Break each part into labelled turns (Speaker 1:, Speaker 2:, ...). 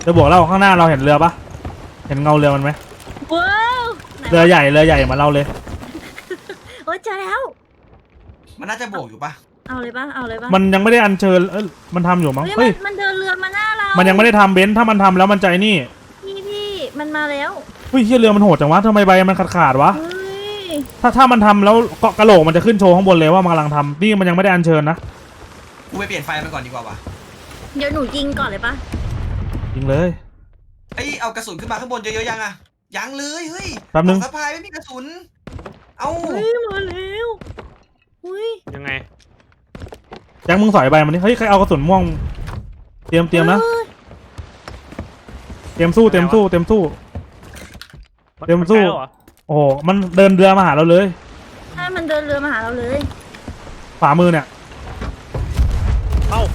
Speaker 1: จะบอกเราข้างหน้าเราเห็นเรือปะเห็นเงาเรือมันไหม
Speaker 2: ว้าว
Speaker 1: เรือใหญ่เหมือนเราเลย
Speaker 2: โอ้ยเจอแล้ว
Speaker 3: มันน่าจะโบกอยู่ปะ
Speaker 2: เอาเลยปะเอาเลยปะ
Speaker 1: มันยังไม่ได้อัญเชิญมันทำอยู่มั้งเฮ้ย
Speaker 2: มันเดินเรือมาหน้าเรา
Speaker 1: มันยังไม่ได้ทำเบนซ์ถ้ามันทำแล้วมันใจนี่
Speaker 2: พี่มันมาแล้ว
Speaker 1: เฮ้ยเรือมันโหดจังวะทำไมใบมันขาดวะ
Speaker 2: เฮ้ย
Speaker 1: ถ้ามันทำแล้วกระโหลกมันจะขึ้นโชว์ข้างบนเลยว่ามันกำลังทำนี่มันยังไม่ได้อัญเชิญนะ
Speaker 3: กูไปเปลี่ยนไฟมันก่อนดีกว่าวะ
Speaker 2: เดี๋ยวหนูยิงก่อนเลยปะ
Speaker 1: ยิงเลย
Speaker 3: ไอเอากระสุนขึ้นมาข้างบนเยอะๆยังอะยังเลยเฮ้ย
Speaker 1: แป๊บนึง
Speaker 3: สะพายไม่มีกระสุนเอา
Speaker 2: เฮ้ยมาแล้วเฮ้ย
Speaker 4: ยังไง
Speaker 1: แจ็คมึงสอยใบมันนี่เฮ้ยใครเอากระสุนม่วงเตรียมนะเตรียมสู้โอ้โหมันเดินเรือมาหาเราเลย
Speaker 2: ใช่มันเดินเรือมาหาเราเลย
Speaker 1: ขวามือเนี่ย
Speaker 4: เอ้า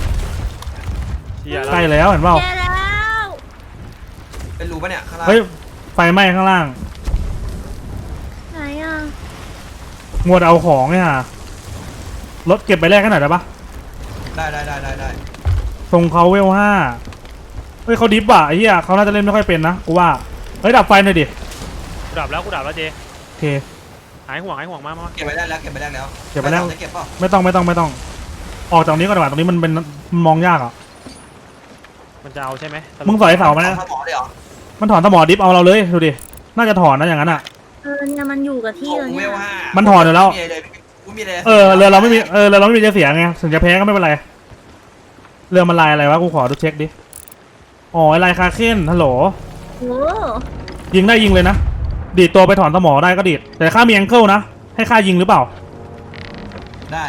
Speaker 1: ใกล้แล้วเห็นเปล่า
Speaker 2: แย่แล้ว
Speaker 3: เป็นรูปะเนี่ยข้างล่าง
Speaker 1: เฮ้ยไฟไหม้ข้างล่าง
Speaker 2: ไหนอ่ะ
Speaker 1: งวดเอาของเนี่ยรถเก็บไปแรกกันหน่อยได้ปะ
Speaker 3: ได้
Speaker 1: ส่งเขาเวล5เฮ้ยเขาดิฟอ่ะไอ้เหี้ยเขาน่าจะเล่นไม่ค่อยเป็นนะกูว่าเฮ้ยดับไฟหน่อยดิ
Speaker 4: กูดับแล้วเจ
Speaker 1: โอเค
Speaker 4: หายห่วงมา
Speaker 3: เก็บไปได้แล้วเก็บไปแล้ว
Speaker 1: จะเก็บ
Speaker 3: เปล่า
Speaker 1: ไม่ต้องออกจากนี้ก่อนดีกว่าตรงนี้มันมองยากอ่ะ
Speaker 4: มันจะเอาใช่ไหม
Speaker 1: มึงสอยเสามานะมันถอนสมอดิฟเอาเราเลยดูดิน่าจะถอนนะอย่างนั้นอ่ะ
Speaker 2: เนี่ยมันอยู่กับที่เลยเนี่ย
Speaker 1: มันถอนอยู่แล้วเรือเราไม่มีเราไม่มีจะเสียไงถึงจะแพ้ก็ไม่เป็นไรเรือมันลายอะไรวะกูขอดูเช็คดิอ๋อลายคาเคนฮัลโหล
Speaker 2: โอ้
Speaker 1: ยิงได้ยิงเลยนะดีดตัวไปถอนสมอได้ก็ดีดแต่ข้ามีแองเกิลนะให้ข้ายิงหรือเปล่า
Speaker 3: ได้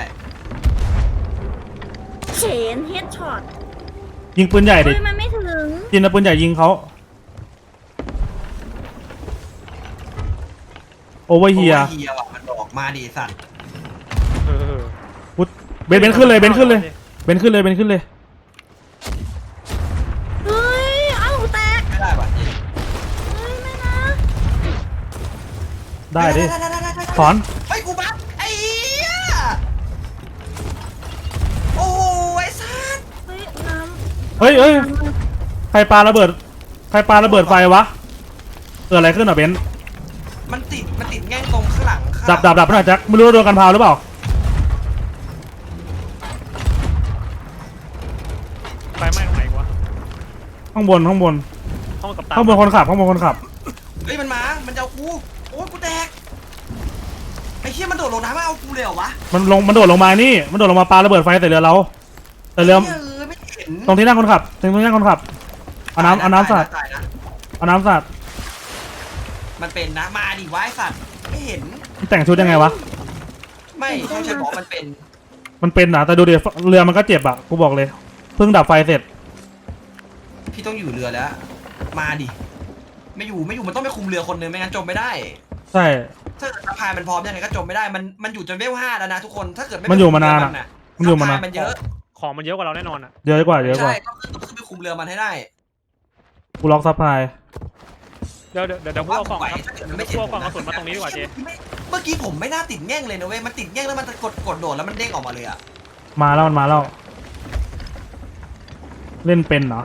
Speaker 2: เฉนเฮดช็อต
Speaker 1: ยิงปืนใหญ่ดิ
Speaker 2: มันไม่ถึง
Speaker 1: ยิงปืนใหญ่ยิงเขาโอเวอร์เฮีย
Speaker 3: มันบอกมาดิสัตว์
Speaker 1: เบนขึ้นเลยเบนขึ้นเลย
Speaker 2: เฮ้ยเอ้าแตก
Speaker 3: ไม่ได้ป่ะ
Speaker 2: เฮ้ยไม่นะ
Speaker 1: ได้ดิถอน
Speaker 3: ไอ้กูบัฟไอ้เหี้ยโอ้ยสัตว์
Speaker 2: เฮ้ยน้ำ
Speaker 1: เฮ้ยใครปาระเบิดไฟวะเกิดอะไรขึ้นอ่ะเบน
Speaker 3: มันติดแง่งตรงข้างหลัง
Speaker 1: ดับหน่อยแจ็คไม่รู้โดนกันพาวหรือเปล่า
Speaker 4: ไฟไหม้ตรงไหนวะ
Speaker 1: ข้างบนคนขับ
Speaker 3: เฮ้ยมันจะเอากูโอ้ยกูแตกไอ้เหี้ยมันโดดลงน้ำมาเอากูเลยเหรอวะ
Speaker 1: มันโดดลงมานี่มันโดดลงมาปาระเบิดไฟใส่เรือเราแต่เรือ
Speaker 3: ไม่เห็น
Speaker 1: ตรงที่นั่งคนขับเอาน้ำสาด
Speaker 3: มันเป็นนะมาดิวะไอ้สัตว์ไม่เห็น
Speaker 1: แต่งชุดยังไงวะ
Speaker 3: ไม่ใช่บอกมัน
Speaker 1: เป็นนะแต่ดูดิเรือมันก็เจ็บอ่ะกูบอกเลยเพิ่งดับไฟเสร็จ
Speaker 3: พี่ต้องอยู่เรือแล้วมาดิไม่อยู่มันต้องไปคุมเรือคนนึงไม่งั้นจมไม่ได้
Speaker 1: ใช่
Speaker 3: ถ้าเกิดสะพายมันพร้อมยังไงก็จมไม่ได้มันอยู่จนเวล5แล้วนะทุกคนถ้าเกิด
Speaker 1: มันอยู่มานานอ่ะ
Speaker 3: มันอยู่มานานมันเยอะ
Speaker 4: ของมันเยอะกว่าเราแน่นอนอ่ะ
Speaker 1: เยอะกว่า
Speaker 3: ใช่ก็คือไปคุมเรือมันให้ได้
Speaker 1: กูล็อกซัพพลาย
Speaker 4: เดี๋ยวพวกเอากล่องครับพวกเอากล่องกระสุนมาตรงนี้ดีกว่าเจ
Speaker 3: เมื่อกี้ผมไม่น่าติดแง่งเลยนะเว้ยมันติดแง่งแล้วมันกดโดดแล้วมันเด้งออกมาเลยอ่ะ
Speaker 1: มาแล้วเล่นเป็นเหรอ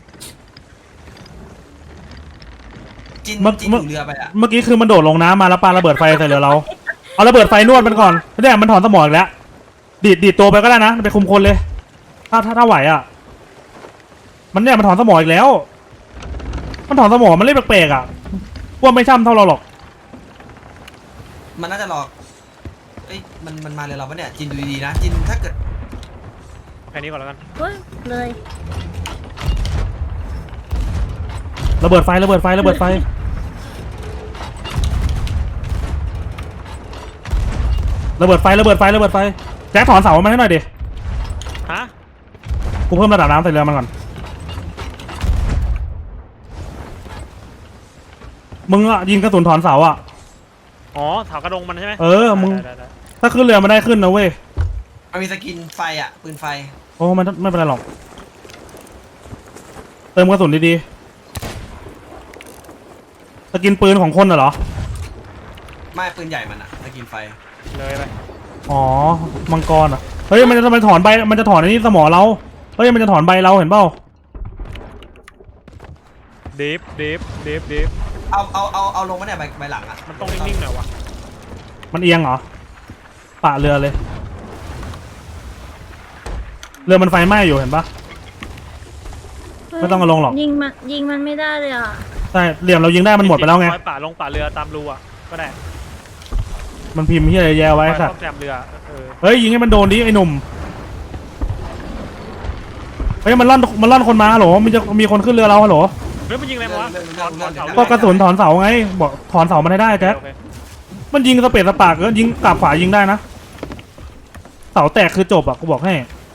Speaker 3: จินอยู่เรือไปอ่ะ
Speaker 1: เมื่อกี้คือมันโดดลงน้ำมาแล้วปาระเบิดไฟใส่เรือเราเอาระเบิดไฟนวดมันก่อนไม่ได้มันถอนสมองอีกแล้วดีดตัวไปก็ได้นะไปคุมคนเลยถ้าไหวอ่ะมันถอนสมองอีกแล้วมันถอนสมองมันเล่นแปลกๆอ่ะว่าไม่ช่ำเท่าเราหรอก
Speaker 3: มันน่าจะหลอกเอ้ยมันมาเลยเราปะเนี่ยจินดูดีๆนะจินถ้าเกิด
Speaker 4: แค่นี้ก่อนแล้วกัน
Speaker 2: เฮ้ยเลย
Speaker 1: ระเบิดไฟแจ็คถอนเสามาให้หน่อยดิ
Speaker 4: ฮะ
Speaker 1: กูเพิ่มระดับน้ำใส่เรือมันก่อนมึงอะยิงกระสุนถอนเสาอะ
Speaker 4: อ๋อเสากระดงมันใช่ไหม
Speaker 1: มึงถ้าขึ้นเรือมันได้ขึ้นนะเว้ย
Speaker 3: มันมีสกินไฟอะปืนไฟ
Speaker 1: โอ้มันไม่เป็นไรหรอกเติมกระสุนดีๆสกินปืนของคนเหรอ
Speaker 3: ไม่ปืนใหญ่มันอะสกินไฟ
Speaker 4: เลยไป
Speaker 1: อ๋อมังกรอะเฮ้ยมันจะถอนใบมันจะถอนไอ้นี่สมอเราเฮ้ยมันจะถอนใบเราเห็นเปล่า
Speaker 4: เดฟ
Speaker 3: เอาลงมาเนี่ยใบหลังอ่ะ
Speaker 4: มันต้องนิ่งๆหน่อยวะ
Speaker 1: มันเอียงเหรอปะเรือเลยเรือมันไฟไหม้อยู่เห็นปะ ไม่ต้องเอาลงหรอก
Speaker 2: ยิงมันไม่ได้เลยอ่ะ
Speaker 1: ใช่เหลี่ยมเรายิงได้มันหมดไปแล้วไง
Speaker 4: ปล่อยป่าลงป่าเรือตามรูอ่ะก็ได้
Speaker 1: มันพิมพ์ที่อะไรแย่ไว้
Speaker 4: ปล่อย
Speaker 1: สัต
Speaker 4: ซ่อ
Speaker 1: ว์
Speaker 4: มแซมเรือ
Speaker 1: เฮ้ยยิงให้มันโดนดิไอ้หนุ่มเฮ้ยมันล่อนคนมาฮัลโหลมันจะมีคนขึ้นเรือเราฮัลโหล
Speaker 4: เฮ้ยมันยิงอะไรวะถอนเสา
Speaker 1: ก็กระสุนถอนเสาไงบอกถอนเสามันให้ได้แจ็ค
Speaker 4: โอเค
Speaker 1: มันยิงสเปรดสปาร์กก็ยิงกลับขวายิงได้นะเสาแตกคือจบอ่ะกูบอกให้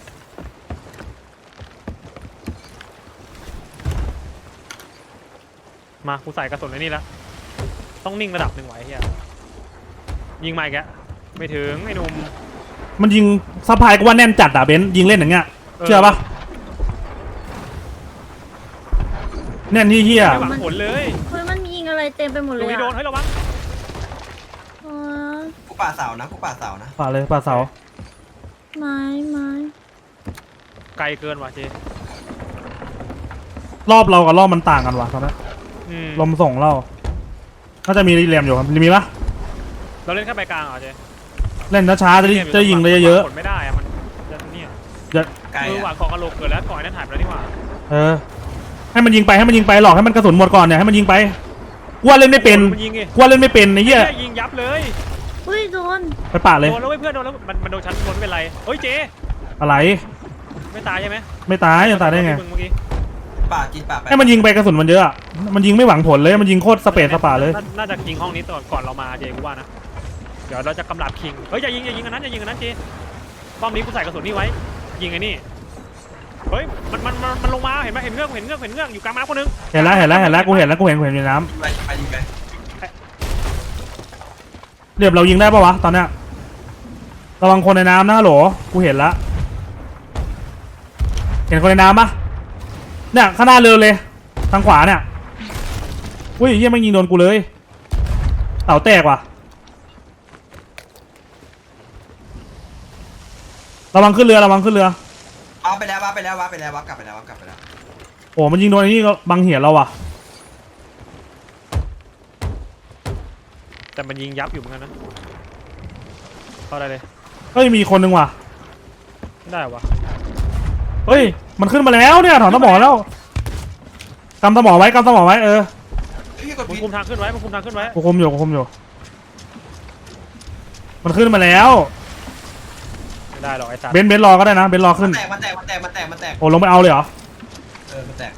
Speaker 4: มากูใส่กระสุนในนี่แล้วต้องนิ่งระดับหนึ่งไว้เฮียยิงใหม่แกไม่ถึงไอ้หนุ่ม
Speaker 1: มันยิงซัพพลายก็ว่าแน่นจัดอ่ะเบนซ์ยิงเล่นอย่างเงี้ยเชื่อปะแน่นที่เฮีย
Speaker 4: ไม่หวังผลเลย
Speaker 2: เฮ้ยมันยิงอะไรเต็มไปหมด
Speaker 4: ต
Speaker 2: เล
Speaker 4: รง
Speaker 2: ย
Speaker 4: นี้โดน
Speaker 2: อ่ะ
Speaker 4: เฮ้ยระวัง
Speaker 2: อ๋อ
Speaker 3: กูป่าเสานะ
Speaker 1: ป่าเลยป่าเสา
Speaker 2: ไม้
Speaker 4: ไกลเกินว่ะเจ
Speaker 1: รอบเรากับรอบมันต่างกันว่ะตอนนี้ลมส่งเราน่าจะมีรีแรมอยู่ครับมีปะ
Speaker 4: เราเล่นแค่ใบกลางเหรอเจ
Speaker 1: เล่นช้าๆจะยิงได้เยอะ
Speaker 4: ผลไม่ได้อะมันจะเนี่ย
Speaker 3: ไกล
Speaker 4: หวั
Speaker 3: อ่ะ
Speaker 4: งของกระโหลกเกิดแล้วก่อนนั้นหายไปแล้วนี่หว่า
Speaker 1: ๆให้มันยิงไปหลอกให้มันกระสุนหมดก่อนเนี่ยให้มันยิงไปกว่าเล่นไม่เป็น
Speaker 4: มันยิงไง
Speaker 1: กว่าเล่นไม่เป็นไอ้เหี้ย
Speaker 4: ยิงยับเลย
Speaker 2: อุ้ยโดน
Speaker 1: ไปป่าเลย
Speaker 4: โดนแล้วเว้ยเพื่อนโดนแล้วมันโดนชั้นบนไม่เป็นไรเฮ้ยเจ
Speaker 1: อะไร
Speaker 4: ไม่ตายใช่ไหม
Speaker 1: ไม่ตายจะตายได้ไง
Speaker 4: เมื่อกี้
Speaker 3: ป่ากินป่าไป
Speaker 1: ให้มันยิงไปกระสุนมันเยอะอะมันยิงไม่หวังผลเลยมันยิงโคตรสเปรดสปาเลย
Speaker 4: น่าจะยิงห้องนี้ก่อนเรามาเจกูว่านะเดี๋ยวเราจะกำลับคิงเฮ้ยอย่ายิงอันนั้นเจป้อมนี้กูใส่กระสุนนี่ไว้ยิงไอ้นี่เฮ้ยมันลงมาเห็นไหมเห็นเงือกอยู่กลางน้ำคนนึง
Speaker 1: เห็นแล้วกูเห็นในน้
Speaker 3: ยิงไป
Speaker 1: ำเรียบเรายิงได้ปะวะตอนเนี้ยระวังคนในน้ำนะฮัลโหลกูเห็นละเห็นคนในน้ำปะเนี่ยข้างหน้าเรือเลยทางขวาเนี่ยอุ้ยเฮียไม่งยิงโดนกูเลยเสาแตกว่ะระวังขึ้นเรือ
Speaker 3: เอาไปแล้วกลับไปแล้ว
Speaker 1: โอ้มันยิงโดนไอ้นี่ก็บังเหียนเราว่ะ
Speaker 4: แต่มันยิงยับอยู่เหมือนกันนะเข้าได้เลย
Speaker 1: เฮ้ยมีคนนึงว่ะ
Speaker 4: ได้วะ
Speaker 1: เฮ้ยมันขึ้นมาแล้วเนี่ยถอนสมอแล้วกำสมอไว้
Speaker 3: พี่กด
Speaker 4: มึง
Speaker 3: ผิด
Speaker 4: คุมทางขึ้นไว้
Speaker 1: กูคุมอยู่มันขึ้นมาแล้ว
Speaker 4: ไม่ได้หรอกไอ้สัตว์
Speaker 1: เบนซ์รอก็ได้นะเบนซ์รอขึ้น
Speaker 3: มันแตก
Speaker 1: โอ้ลงไปเอาเลยเหรอ
Speaker 3: มันแตก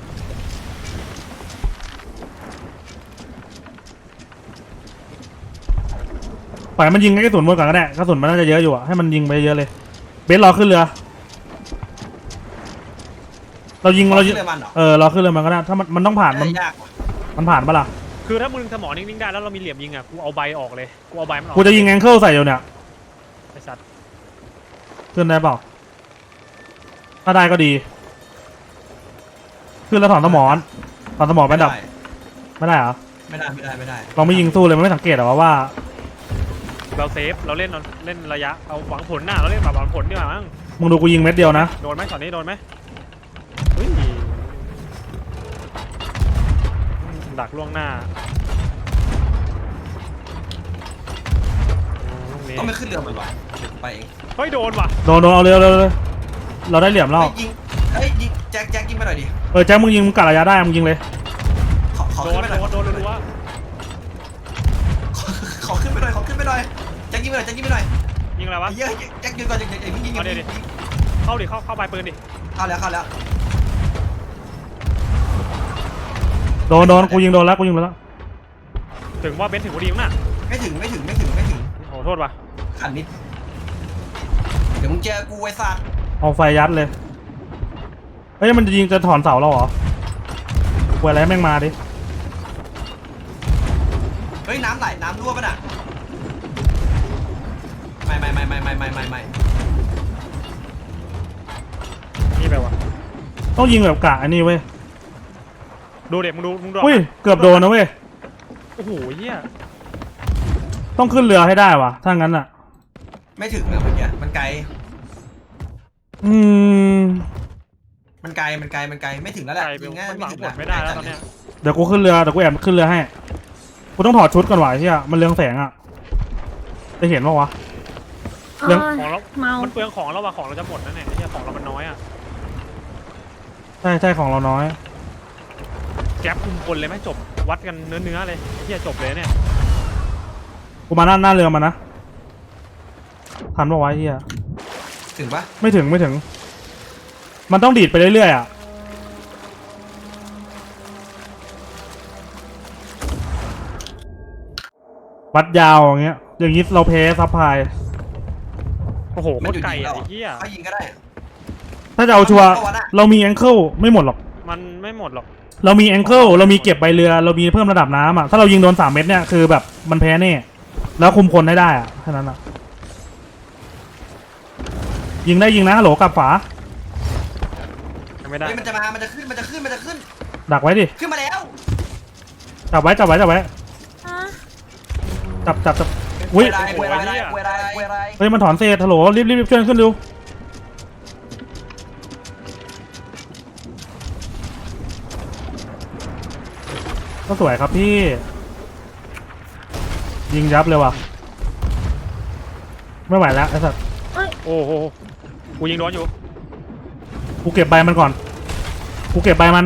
Speaker 1: ปล่อยมันยิงกระสุนหมดก่อนก็ได้กระสุนมันน่าจะเยอะอยู่อะให้มันยิงไปเยอะเลยเบนซ์รอขึ้นเรือเรายิง
Speaker 3: เรือมันเหรอ
Speaker 1: รอขึ้นเรือมันก็ได้ถ้ามันต้องผ่านมัน
Speaker 3: ยาก
Speaker 1: มันผ่านปะล่ะ
Speaker 4: คือถ้ามึงสมองนิ่งๆได้แล้วเรามีเหลี่ยมยิงอ่ะกูเอาใบออกเลยกูเอาใบมันออก
Speaker 1: กูจะยิงแองเกิลใส่อยู่เนี่ย
Speaker 4: ไอ้สัตว์
Speaker 1: ขึ้นได้เปล่าถ้าได้ก็ดีขึ้นแล้วถอนสมอนไปดับไม่ได้เหรอ
Speaker 3: ไม่ได้
Speaker 1: เราไม่ยิงสู้เลยมันไม่สังเกตเหรอว่า
Speaker 4: เราเซฟเราเล่นระยะเอาหวังผลหน้าเราเล่นแบบหวังผลดีกว่ามั้ง
Speaker 1: มึงดูกูยิงเม็ดเดียวนะ
Speaker 4: โดนไหมช็อตนี้โดนไหมเฮ้ยดักล่วงหน้า
Speaker 3: ต้องไม่ขึ้นเรือมันวะไปเอง
Speaker 4: เฮ้ยโดนว่ะ
Speaker 1: โดนเอาเร็วเราได้เหลี่ยมแล้ว
Speaker 3: ยิงแจ็คยิงไปหน่อยดิ
Speaker 1: แจ็คมึงยิงมึงกัดระยะได้มึงยิงเลย
Speaker 3: ขอ
Speaker 4: โด
Speaker 3: ขึ้น
Speaker 4: น
Speaker 3: ไปหน่อย
Speaker 4: รัว
Speaker 3: ขอขึ้นไปหน่อยแจ็คยิงไปหน่อย
Speaker 4: ยิงอะไรวะ
Speaker 3: เยอะแจ็คยิงก่อนยิง
Speaker 4: เข้าดิเข้าปลายปืนดิ
Speaker 3: เข้าแล้ว
Speaker 1: โดนกูยิงโดนแล้ว
Speaker 4: ถึงว่าเบนซ์ถึงพอดีมั้งน่ะ
Speaker 3: ไม่ถึง
Speaker 4: โอ้โทษว่ะ
Speaker 3: ขันนิดเดี๋ยวมึงเจอกูไอ้สัตว์
Speaker 1: เอาไฟยัดเลยเฮ้ยมันจะยิงจะถอนเสาเราเหรอกูอะไรแม่งมาดิ
Speaker 3: เฮ้ยน้ำไหลน้ำรั่วป่ะน่ะไม่
Speaker 4: นี่ไปว่ะ
Speaker 1: ต้องยิงแบบกะอันนี้เว้ย
Speaker 4: ดูเด็กมึงดู
Speaker 1: อุ้ยเกือบโดนนะเว้ย
Speaker 4: โอ้โหเฮีย
Speaker 1: ต้องขึ้นเรือให้ได้ว่ะถ้างั้นอ่ะ
Speaker 3: ไม่ถึงอะเมื่อกี้มันไกล
Speaker 1: อืม
Speaker 3: มันไกลไม่ถึงแล้วแหละ
Speaker 4: ไก่
Speaker 3: ยิงง่าย
Speaker 4: มันห
Speaker 3: ไม่
Speaker 4: วัง
Speaker 3: ถึง
Speaker 4: ผลไม่ได้แล้วตอนเนี้ย
Speaker 1: ดี๋ยวกูขึ้นเรือเดี๋ยวกูแอบขึ้นเรือให้กูต้องถอดชุดก่อนว่ะไอ้เหี้ยมันเรืองแสงอ่ะจะเห็นปะวะ เรื่อง
Speaker 4: ของเรา
Speaker 2: เมา
Speaker 4: มันเปลืองของเราว่ะของเราจะหมดนั่นแหละไอ้เหี้ยของเรามันน้อยอ่ะ
Speaker 1: ใช่ของเราน้อย
Speaker 4: แก๊ปคุมคนเลยไหมจบวัดกันเนื้อเลยไอ้เหี้ยจบเลยเนี่ย
Speaker 1: กูมาหน้าเรือมันนะทันปะวะไอ้เหี้ย
Speaker 3: ถึงปะ
Speaker 1: ไม่ถึงมันต้องดีดไปเรื่อยๆอ่ะวัดยาวอย่างเงี้ยอย่างงี้เราแพ้ซัพพลาย
Speaker 4: โอ้โหโคตรไกลอ่ะไอ้เหี้ย
Speaker 3: เขายิงก็ได้
Speaker 1: ถ้าจะเอาชัวร์
Speaker 3: เอาวะน่ะ
Speaker 1: เรามีแองเกิลไม่หมดหรอก
Speaker 4: มันไม่หมดหรอก
Speaker 1: เรามีแองเกิลเรามีเก็บใบเรือเรามีเพิ่มระดับน้ำอ่ะถ้าเรายิงโดน3 เม็ดเนี่ยคือแบบมันแพ้แน่แล้วคุมคนได้อ่ะแค่นั้นอ่ะยิงนะฮัลโหลกลับฝา
Speaker 4: ยังไม่ได้
Speaker 3: เฮ้ยมันจะมามันจะขึ้น
Speaker 1: ดักไว้ดิ
Speaker 3: ขึ้นมาแล้ว
Speaker 1: จับไว้
Speaker 2: ฮะ
Speaker 1: จับอุ้ย
Speaker 3: เวลา
Speaker 1: เฮ้ยมันถอนเศษฮัลโหลรีบช่วยขึ้นเร็วก็สวยครับพี่ยิงยับเลยว่ะไม่ไหวแล้วไอ้สัส
Speaker 4: โอ้โหกูยิงโดนอยู่
Speaker 1: กูเก็บใบมันก่อนกูเก็บใบมัน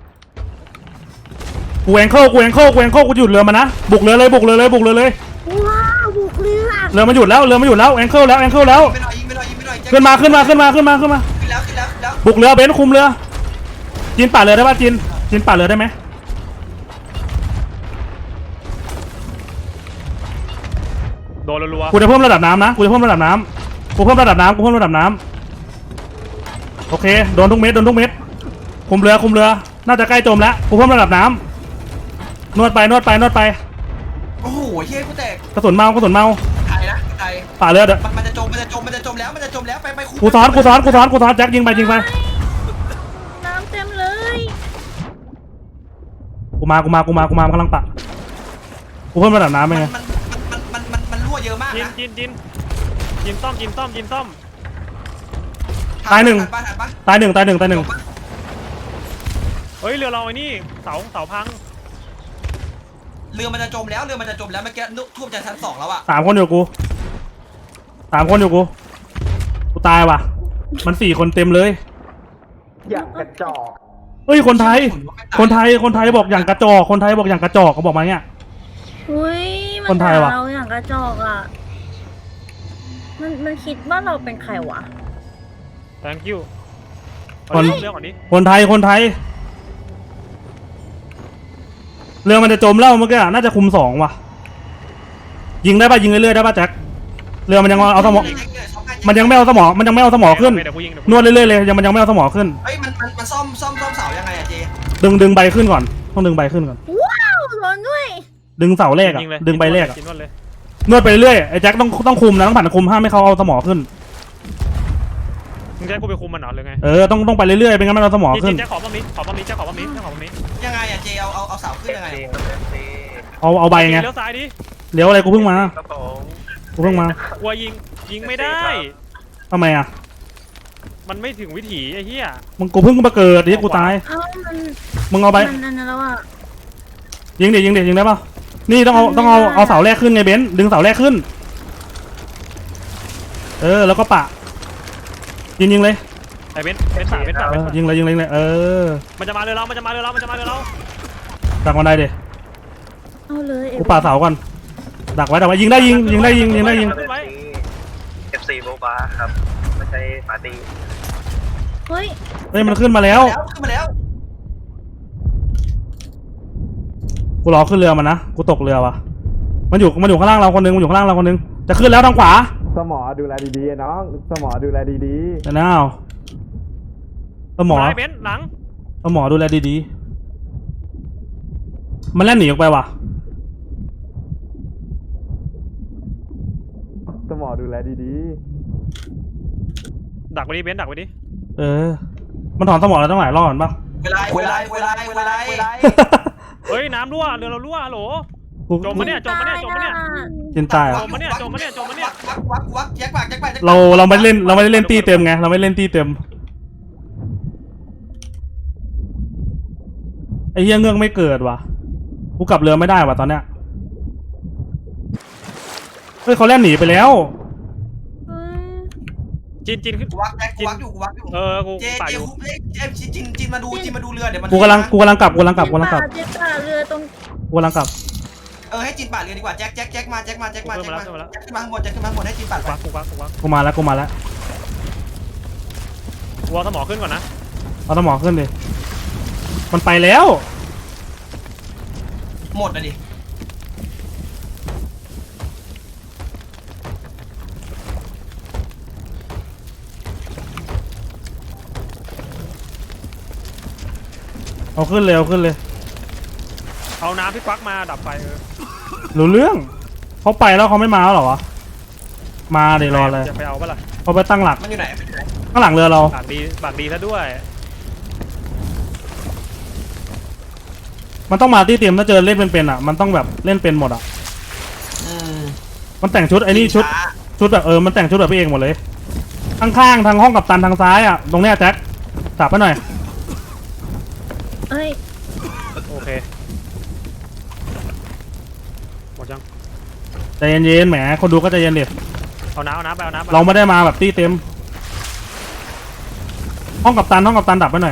Speaker 1: กูแองเกิลกูหยุดเรือมันนะบุกเรือเลย
Speaker 2: ว้าวบุกเรือ
Speaker 1: เรือมันหยุดแล้วแองเกิลแล้ว
Speaker 3: ยิงไปหน่อย
Speaker 1: ขึ้นมา
Speaker 3: ขึ้นแล้ว
Speaker 1: บุกเรือเบนซ์คุมเรือจีนป่าเรือได้ป่ะจีนป่าเรือได้ไหม
Speaker 4: โดนรัว
Speaker 1: กูจะเพิ่มระดับน้ำนะกูเพิ่มระดับน้ำโอเคโดนทุกเม็ดคุมเรือน่าจะใกล้จมแล้วกูเพิ่มระดับน้ำนวดไป
Speaker 3: โอ้โหเฮ้ยกูแตก
Speaker 1: กระสุนเมา
Speaker 3: ไทยนะไทย
Speaker 1: ป่าเรือเด้อ
Speaker 3: มันจะจมแล้วไปคุ
Speaker 1: กูซ้อนแจ็คยิงไป
Speaker 2: น้ำเต็มเลย
Speaker 1: กูมากำลังปะกูเพิ่มระดับน้ำไปไง
Speaker 3: มันรั่วเยอะมาก
Speaker 4: ๆจิน
Speaker 3: นะ
Speaker 4: จินซ่อม
Speaker 1: ตายหนึ่ง
Speaker 3: ทันปะ
Speaker 4: เฮ้ยเรือเราไอ้นี่เสาพัง
Speaker 3: เรือมันจะจมแล้วเมื่อกี้ท่วมจากชั้น2แล้วอะ
Speaker 1: 3 คนอยู่กูกูตายว่ะมัน4 คนเต็มเลย
Speaker 5: อย่างกระจอก
Speaker 1: เฮ้ยคนไทยบอกอย่างกระจอกเขาบอกมาเนี่ย
Speaker 2: อุ้ยมั
Speaker 1: คนไทยว่ะ
Speaker 2: ด่าเราอย่างกระจอกอ่ะมันคิดว่าเราเป็นใครวะ
Speaker 4: thank you
Speaker 1: คน
Speaker 4: เรื่องก่อนนี้
Speaker 1: คนไทยเรือมันจะจมแล้วเมื่อกี้น่าจะคุม2ว่ะยิงได้ป่ะยิงเรื่อยๆได้ป่ะแจ็คเรือมันยังเอาสมองมันยังไม่เอาสมองขึ้น
Speaker 4: เดี๋ยวกูยิง
Speaker 1: นวดเรื่อยๆเลยมันยังไม่เอาสมองขึ้น
Speaker 3: เฮ้ยมันซ่อมเสายังไงอะเจ
Speaker 1: ดึงใบขึ้นก่อนต้องดึงใบขึ้นก่อน
Speaker 2: ว้าวโดนด้วย
Speaker 1: ดึงเสาแรกอ่ะ
Speaker 4: ยิงเลย
Speaker 1: ดึงใบแรกอ่ะ
Speaker 4: นวดเลย
Speaker 1: นวดไปเรื่อยไอ้แจ็คต้องคุมนะต้องผ่านคุมห้ามไม่เขาเอาสมองขึ้น
Speaker 4: มึงจะให้กูไปคุมมันเหรอหรือไง
Speaker 1: ต้องไปเรื่อยๆเป็นงั้นมันเอาสมอง
Speaker 4: จิ
Speaker 1: ขึ้น
Speaker 4: นจะขอป้อมนี้
Speaker 3: ยังไงอะเจเอาเสาขึ้นยังไง
Speaker 1: เอาใบไง
Speaker 4: เลี้ยวซ้ายดิ
Speaker 1: เลี้ยวอะไรกูเพิ่งมา
Speaker 5: ครับผม
Speaker 1: ก
Speaker 4: ลัวยิงไม่ได้
Speaker 1: ทำไมอ่ะ
Speaker 4: มันไม่ถึงวิถีไอ้เหี้ย
Speaker 1: กูเพิ่งมาเกิดดิกูตาย
Speaker 2: เอ้ามัน
Speaker 1: มึงเอาใบ
Speaker 2: มันนั่นแล้วอ่ะ
Speaker 1: ยิงได้ป่ะนี่ต้องเอาเสาแรกขึ้นไงเบนซ์ดึงเสาแรกขึ้นแล้วก็ปะยิงเลย
Speaker 4: ไอ้เบนสา
Speaker 1: ยิงเลย
Speaker 4: มันจะมาเรือเรา
Speaker 1: ดักมันได้ดิ
Speaker 2: เอาเลย
Speaker 1: กูปาเสาก่อนดักไว้ยิงได้
Speaker 5: FC โบบาครับไม่ใช่ปาร์ตี้
Speaker 2: เฮ้ย
Speaker 1: มันขึ้นมาแล้ว
Speaker 3: ขึ้นมาแล้ว
Speaker 1: กูรอขึ้นเรือมันนะกูตกเรือว่ะมันอยู่ข้างล่างเราคนนึงจะขึ้นแล้วทางขวา
Speaker 5: สมอดูแลดีๆน้องสมอดูแลดี
Speaker 1: แต่น้าวสมอ
Speaker 4: ไอ้เบนหลัง
Speaker 1: ดูแลดีๆมันแล่นหนีออกไปว่ะ
Speaker 5: ๆสมอดูแลดี
Speaker 4: ดักไว้ดิเบนดักไว้ดิ
Speaker 1: มันถอนสมองแล้วตั้งหลายรอบเห็นปะ
Speaker 3: เวลา
Speaker 4: เฮ้ยน้ำรั่วเรือเรารั่วฮัลโหล จมปะเนี่ย
Speaker 1: จินตายอ่ะ
Speaker 4: จมปะเนี่ย
Speaker 3: วักแจ็คปาก
Speaker 1: เราไม่ได้เล่นตีเต็มไงเราไม่เล่นตีเต็มไอ้เหี้ยเงือกไม่เกิดว่ะกูกลับเรือไม่ได้ว่ะตอนเนี้ยเฮ้ยเขาแล่นหนีไปแล้ว
Speaker 2: เฮ้ย
Speaker 4: จินขึ้น
Speaker 3: กูวักแจ็คกูวักอยู่
Speaker 4: กู
Speaker 3: เจ
Speaker 4: ป่า
Speaker 3: เจ
Speaker 4: อยู่
Speaker 3: คุบเจจินมาดูเรือเดี๋ยวมัน
Speaker 1: กูกำลังกลับ
Speaker 2: เจ็บป่าเรือตรง
Speaker 1: กูกำลังกลับ
Speaker 3: ให้จินป่าเรือดีกว่าแจ็คมาขึ้นมาข้างบนให้จินป่าไป
Speaker 4: กูวัก
Speaker 1: กูมาแล้ว
Speaker 4: กูเอาสมอขึ้นก่อนนะ
Speaker 1: เอาสมองขึ้นดิมันไปแล้ว
Speaker 3: หมดเลยดิ
Speaker 1: เอาขึ้นเลย
Speaker 4: เอาน้ำพี่ควักมาดับไฟ
Speaker 1: รู้เรื่องเขาไปแล้วเขาไม่มาแล้วเหรอวะมาเดี๋ยวรอเลย
Speaker 4: จะไปเอาปะล่ะ
Speaker 1: เขาไปตั้งหลัก
Speaker 3: มันอยู่ไหน
Speaker 1: ข้างหลังเรือเรา
Speaker 4: ปากดีซะด้วย
Speaker 1: มันต้องมาที่เตรียมถ้าเจอเล่นเป็นๆอ่ะมันต้องแบบเล่นเป็นหมดอ่ะมันแต่งชุดไอ้นี่ชุดแบบมันแต่งชุดแบบพี่เองหมดเลยข้างๆทางห้องกัปตันทางซ้ายอ่ะตรงเนี้ยแจ็คจับไปหน่อย
Speaker 2: เอ้ย
Speaker 4: โอเคหมดยัง
Speaker 1: ใจเย็นๆแหมคนดูก็ใจเย็นดิ
Speaker 4: เอาน้ำไป
Speaker 1: เราไม่ได้มาแบบตี้เต็มห้องกัปตันดับไปหน่อย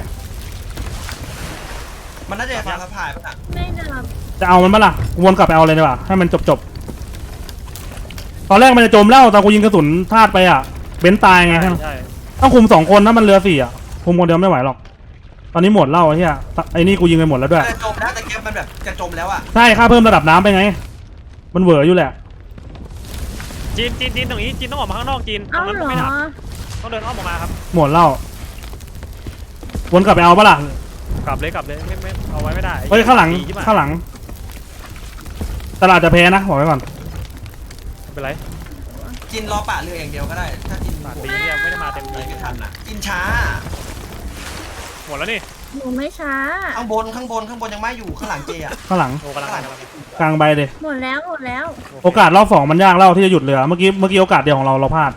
Speaker 3: มันน่าจะทางสะพายป่ะ
Speaker 2: ไม่ดับ
Speaker 1: จะเอามันปะล่ะวนกลับไปเอาเลยดีกว่าให้มันจบตอนแรกมันจะจมแล้วตอนกูยิงกระสุนพลาดไปอ่ะเบนซ์ตายไง
Speaker 4: ใช่
Speaker 1: ต้องคุม2 คนนะมันเรือ4อ่ะคุมคนเดียวไม่ไหวหรอกตอนนี้หมดเล่าไอ้เหี้ยไอ้นี่กูยิงไปหมดแล้วด้วย
Speaker 3: จะจมแล้วแต่แกมันแบบจะจมแล้วอ่ะ
Speaker 1: ใช่ค่าเพิ่มระดับน้ำไปไงมันเหวออยู่แหละ
Speaker 4: จีนตรงนี้จีนต้องออกมาข้างนอกจีนตร
Speaker 2: เอ้าง
Speaker 4: นั้น
Speaker 2: เหรอ
Speaker 4: ไม่ดับต้องเดินอ้อมออกมาครับ
Speaker 1: หมดเล่าวนกลับไปเอาปะล่ะ
Speaker 4: กลับเลยไม่เอาไว้ไม่ได้
Speaker 1: เฮ้ยข้างหลัง
Speaker 4: ดีใช่ปะ
Speaker 1: ข้างหลังตลาดจะแพ้นะบอกไว้ก่อน
Speaker 4: ไม่เป็นไร
Speaker 3: จินรอป่าเรืออย่างเดียวก็ได้ถ้าจิน
Speaker 4: ปากดีเนี่ยไม่ได้มาเต็ม
Speaker 3: เล
Speaker 4: ที่
Speaker 3: ยไม่ทันอ่ะจินช้า
Speaker 4: หมดแล้วนี่
Speaker 2: หนูไม่ช้า
Speaker 3: ข้างบนยังไม่อยู่ข้างหลังเจอ่ะ
Speaker 1: ข้างหลัง
Speaker 4: โอ้กำลัง
Speaker 1: กลางใบเลย
Speaker 2: หมดแล้ว
Speaker 1: โอกาสรอบ2มันยากเล่าที่จะหยุดเรือเมื่อกี้โอกาสเดียวของเราพลาด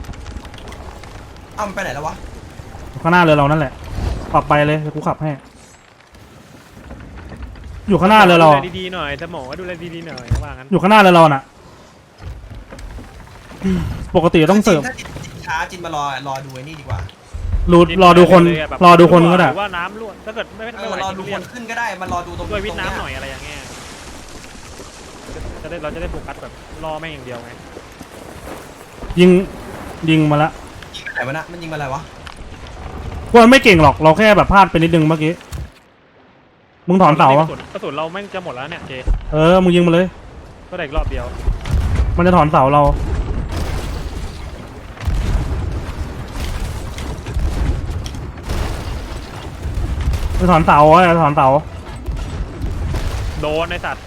Speaker 3: มันไปไหนแล้ววะ
Speaker 1: ข้างหน้าเรือเรานั่นแหละขับไปเลยเดี๋ยวกูขับให้อยู่ข้างหน้าเรือเรา
Speaker 4: ดูแลดีๆหน่อยสมองดูแลดีๆหน่อยว่างั้น
Speaker 1: อยู่ข้างหน้าเรือเราน่ะปกติต้องเสิร์ฟ
Speaker 3: ถ้าจินช้าจินมารอดูไอ้นี่ดีกว่าร
Speaker 1: อดูคนก็ได้
Speaker 4: หรือว่าน้ำรั่วถ้าเกิดไม่ไหว
Speaker 3: รอดูคนขึ้นก็ได้มันรอดูตรง
Speaker 4: ด้วยวิทน้ำหน่อยอะไรอย่างเงี้ยเราจะได้โฟกัสแบบรอแม่งอย่างเดียวไง
Speaker 1: ยิงมาละ
Speaker 3: ยิงไปไหนวะนะมันยิงมาอะไรวะ
Speaker 1: พวกมันไม่เก่งหรอกเราแค่แบบพลาดไปนิดนึงเมื่อกี้มึงถอนเสาอะ
Speaker 4: กระสุนเราแม่งจะหมดแล้วเนี่ยเจ
Speaker 1: มึงยิงมาเลย
Speaker 4: ก็ได้อีกรอบเดียว
Speaker 1: มันจะถอนเสาเราจะถอนเสาจะถอนเสา
Speaker 4: โดนในสัตว์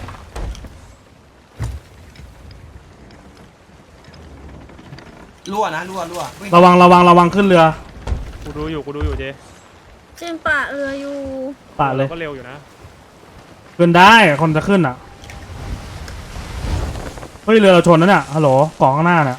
Speaker 3: รั่ววิ่ง
Speaker 1: ระวังขึ้นเรือ
Speaker 4: กูดูอยู่เจ
Speaker 2: จินป่าเรืออยู่
Speaker 1: ปะเลย
Speaker 4: ก็เร็วอยู่นะ
Speaker 1: ขึ้นได้คนจะขึ้นอ่ะเฮ้ยเรือเราชนนะเนี่ยฮัลโหลเกาะข้างหน้าเนี่ย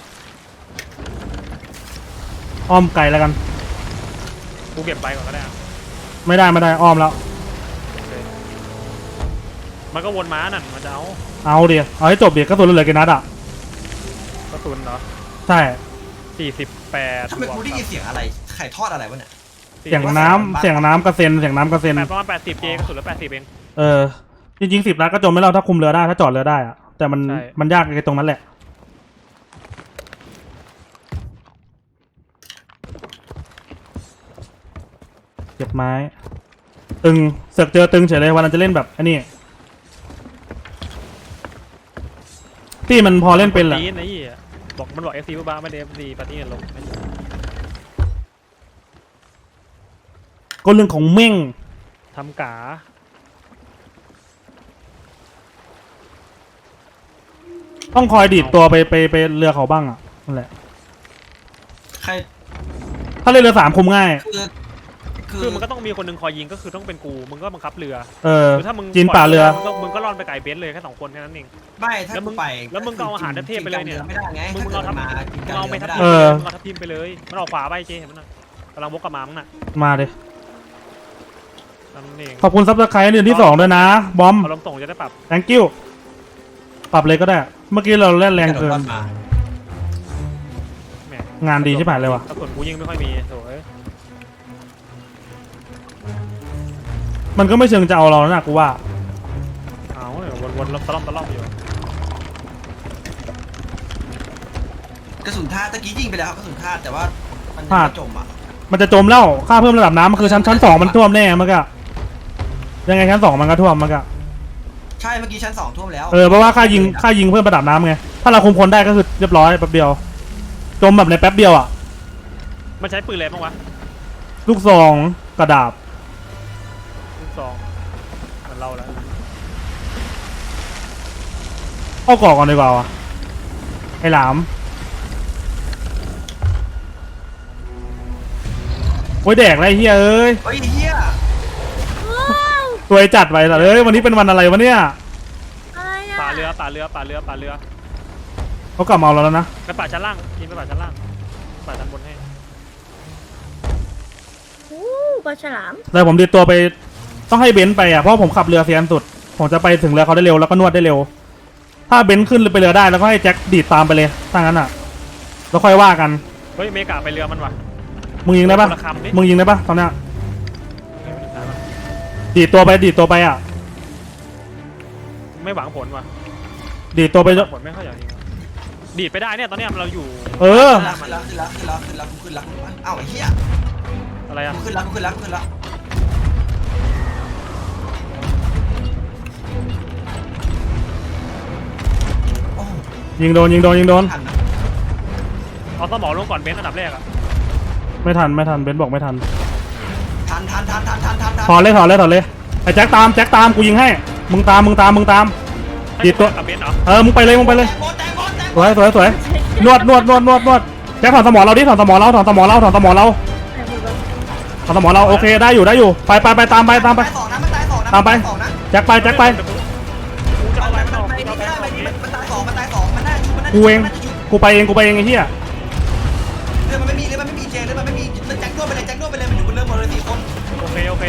Speaker 1: อ้อมไกลแล้วกัน
Speaker 4: กูเก็บไปก่อนก็ได้อะ
Speaker 1: ไม่ได้อ้อมแล้ว
Speaker 4: โอเคมันก็วนม้านั่นมันจะเอา
Speaker 1: เอาดิเอาให้จบดิกระสุนเหลือกี่นัดอ่ะ
Speaker 4: กระสุนเหรอ
Speaker 1: ใช่
Speaker 4: 48
Speaker 3: ทำไมกูได้ยินเสียงอะไรไข่ทอดอะไรวะเนี่ย
Speaker 1: เสียงน้ำกระเซ็น
Speaker 4: ประมาณ80เจกระสุนละ80เอง
Speaker 1: จริงๆ10 นัดก็จมไม่เล่าถ้าคุมเรือได้ถ้าจอดเรือได้อะแต่มัน
Speaker 4: ใช่
Speaker 1: มันยากไอ้ตรงนั้นแหละเก็บไม้ตึงเสือกเจอตึงเฉยเลยวันนั้นจะเล่นแบบอันนี้ที่มันพอเล่นเป็นแหละ
Speaker 4: ปาร์ตี้ไอ้เหี้ยบอกมันบอก FC บ้าไม่ได้ FC ปาร์ตี้กันลง
Speaker 1: ก็เรื่องของเม่ง
Speaker 4: ทำกา
Speaker 1: ต้องคอยดีดตัวไปเรือเขาบ้างอ่ะนั่นแหละ
Speaker 3: ใคร
Speaker 1: ถ้าเล่นเรือ3คุมง่าย
Speaker 4: คือมันก็ต้องมีคนหนึ่งคอยยิงก็คือต้องเป็นกูมึงก็บังคับเรือ ถ้ามึง
Speaker 1: จีนป่าเรือ
Speaker 4: มึงก็ร่อนไปไก่เบนซ์เลยแค่2คนแค่นั้นเอง
Speaker 3: ไม่ถ้ากูไป
Speaker 4: แล้วมึงก็เอาอาหารเทพไปเลยเนี่ย
Speaker 3: ไม่ได้ไง
Speaker 4: มึง
Speaker 3: ถ้า
Speaker 4: เอา
Speaker 3: เกิด
Speaker 4: ทับ
Speaker 3: มากินกัน
Speaker 4: เอาไป
Speaker 3: ไม่
Speaker 4: ทับ
Speaker 3: ได้
Speaker 4: ทิมมึงเอาทับทิมไปเลยมันออกขวาไปเจเห็นมันน่ะกำลังวกกลับมามึงน่ะ
Speaker 1: มาดิ
Speaker 4: นั่นเอง
Speaker 1: ขอบคุณซับสไครต์เดือนที่2ด้วยนะบอม
Speaker 4: เอาลมส่งจะได้ปรับ
Speaker 1: thank you ปรับเลยก็ได้ เมื่อกี้เราเล่นแรงเกิน
Speaker 3: มา
Speaker 4: แหม
Speaker 1: งานดีใช่ไหมเลยวะ
Speaker 4: กระสุนกูยิงไม่ค่อยมีโถ่เอ้ย
Speaker 1: มันก็ไม่เชิงจะเอาเราแล้วนะกูว่า
Speaker 4: เอาเนี่ยวนๆตะล่อมอยู่
Speaker 3: กระสุนท่าตะกี้ยิงไปแล้วครับกระสุนท่าแต่ว่ามันยัง
Speaker 1: พลาด
Speaker 3: ไม่จมอ่ะ
Speaker 1: มันจะจมแล้วค่าเพิ่มระดับน้ำมันคือชั้น2มันท่วมแน่มันก็ยังไงชั้น2มันก็ท่วมมันก็
Speaker 3: ใช่เมื่อกี้ชั้น2ท่วมแล้ว
Speaker 1: เพราะว่าค่ายิงเพิ่มระดับน้ำไงถ้าเราคุมคนได้ก็คือเรียบร้อยแป๊บเดียว จมแบบในแป๊บเดียวอ่ะ
Speaker 4: มันใช้ปืนอะไรบ้างวะ
Speaker 1: ลูกซองกระดาบ
Speaker 4: ลูกซองเหมือนเราแล้ว
Speaker 1: เข้าก่อก่อนดีกว่าวะไอ้หลามโอ้ยแดกไรเฮียเอ้ย
Speaker 3: เฮ้ยเฮีย
Speaker 2: ว้าว
Speaker 1: ตัวยจัดไว้แต่เอ้ยวันนี้เป็นวันอะไรวะเนี่ย
Speaker 2: อะไรอ่ะ
Speaker 4: ป่าเรือ
Speaker 1: เขากลับมาเอาเราแล้วนะ
Speaker 4: ไปป่าชั้นล่างยิงไปป่าชั้นล่างป่าชั้นบนให้
Speaker 2: อู้ปลาฉลาม
Speaker 1: แต่ผมดีดตัวไปต้องให้เบนซ์ไปอ่ะเพราะผมขับเรือเซียนสุดผมจะไปถึงเรือเขาได้เร็วแล้วก็นวดได้เร็ว ถ้าเบนซ์ขึ้นไปเรือได้แล้วก็ให้แจ็คดีดตามไปเลยถ้างั้นอ่ะแล้วค่อยว่ากัน
Speaker 4: เฮ้ยเมกาไปเรือมันวะ
Speaker 1: มึงยิงได้ปะ
Speaker 4: คนละคำดิ
Speaker 1: มึงยิงได้ปะตอนเนี้ยดีดตัวไปอ่ะ
Speaker 4: ไม่หวังผลวะ
Speaker 1: ดีดตัวไป
Speaker 4: หวังผลไม่ค่อยอยากยิงวะดีดไปได้เนี่ยตอนเนี้ยเราอยู่
Speaker 1: เออ
Speaker 3: ขึ้นแล้วอ้าวไอ้เฮีย
Speaker 4: อะไรอะ
Speaker 3: กูขึ้นแล้วโอ้
Speaker 1: ยิงโดน
Speaker 3: ทันนะ
Speaker 4: เอาสมอลงก่อนเบนซ์อันดับแรกอะ
Speaker 1: ไม่ทันเบนซ์บอกไม่ทัน
Speaker 3: ทัน
Speaker 1: ถอนเลยไอ้แจ็คตามกูยิงให้มึงตาม ดีดตัว
Speaker 4: กับเบนซ์เหรอ
Speaker 1: มึงไปเลย
Speaker 3: แตงโม
Speaker 1: สวยนวดแจ็คถอนสมอเราดิถอนสมอเรา
Speaker 2: ไหนพูดว่า
Speaker 1: ถอนสมอเราโอเคได้อยู่ไปตามไป
Speaker 3: ตายสองนะมันตายสองนะ
Speaker 1: ตามไป
Speaker 3: นตยสองนะ
Speaker 1: แจ็คไป
Speaker 4: กูจะเอาอะไรมันออก
Speaker 3: มัน
Speaker 4: กูจะเอาอะไรมันออก
Speaker 3: มันตายสองมันน่าจะ
Speaker 1: กูเองกูไปเองไอ้เหี้ย
Speaker 3: เรือมันไม่มีเรือมันไม่มีเจเรือมันไม่มีแจ็คโดนไปเลยมันอยู่บนเรือหมดเลย4 คน
Speaker 4: โอเค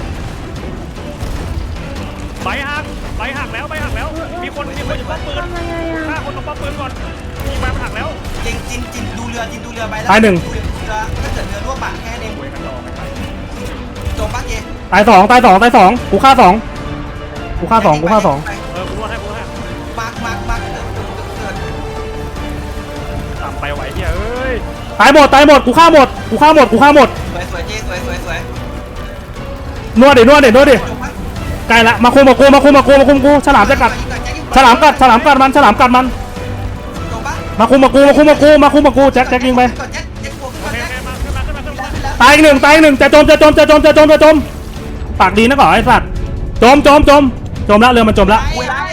Speaker 4: ใบหักแล้วมีคนอยู่ป้อมปืน
Speaker 2: ทำไมอ่ะ
Speaker 4: ฆ่าคนตรงป้อมปืนก่อนยิงไปมันหักแล้ว
Speaker 3: จินดูเรือไปแล้ว
Speaker 1: ตายหนึ่ง
Speaker 3: เรือถ้าเกิดเรือร่วมอ่ะแค่นี้
Speaker 4: โวยกันรอไม่ไป
Speaker 3: จบปะเจ
Speaker 1: ตายสองกูฆ่าสอง
Speaker 4: กูรวดให้
Speaker 3: มาเกิด
Speaker 4: ต่ำไปไหวเฮียเอ้ย
Speaker 1: ตายหมดกูฆ่าหมด
Speaker 3: สวยเจสวย
Speaker 1: นวดดิ
Speaker 3: จบปะ
Speaker 1: ใกล้ละมาคุมกูฉลามจะกัดฉลามกัดมัน
Speaker 3: จบปะ
Speaker 1: มาคุมกูแจ็คยิงไป
Speaker 3: ก่อนแจ็คบวก
Speaker 4: โอ
Speaker 3: ก่อน
Speaker 4: เค
Speaker 3: แจ็ค
Speaker 4: มาขึ้นมา
Speaker 1: ตายอีกหนึ่งจะจมปากดีนะก่อนไอ้สัตว์จมแล้วเรือมันจมแล้ว
Speaker 3: เวลา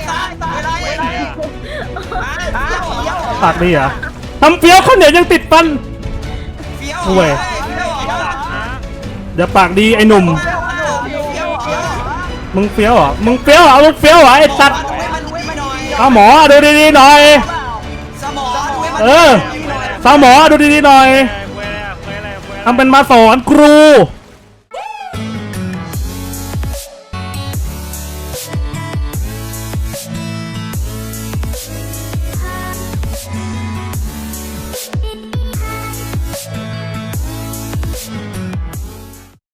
Speaker 1: ปากดีเหรอทำเฟี้ยวข้าวเหนียวยังติดฟัน
Speaker 3: เฟี้ยว
Speaker 1: ห่วย เดี๋ยวปากดีไอ้หนุ่มมึงเฟี้ยวเหรอไอ้สัตว์เอาหมอดูดีๆหน่อย
Speaker 3: สมอ
Speaker 1: สาวหมอดูดีๆหน่อย
Speaker 4: เว้ย
Speaker 1: ทำเป็นมาสอนครู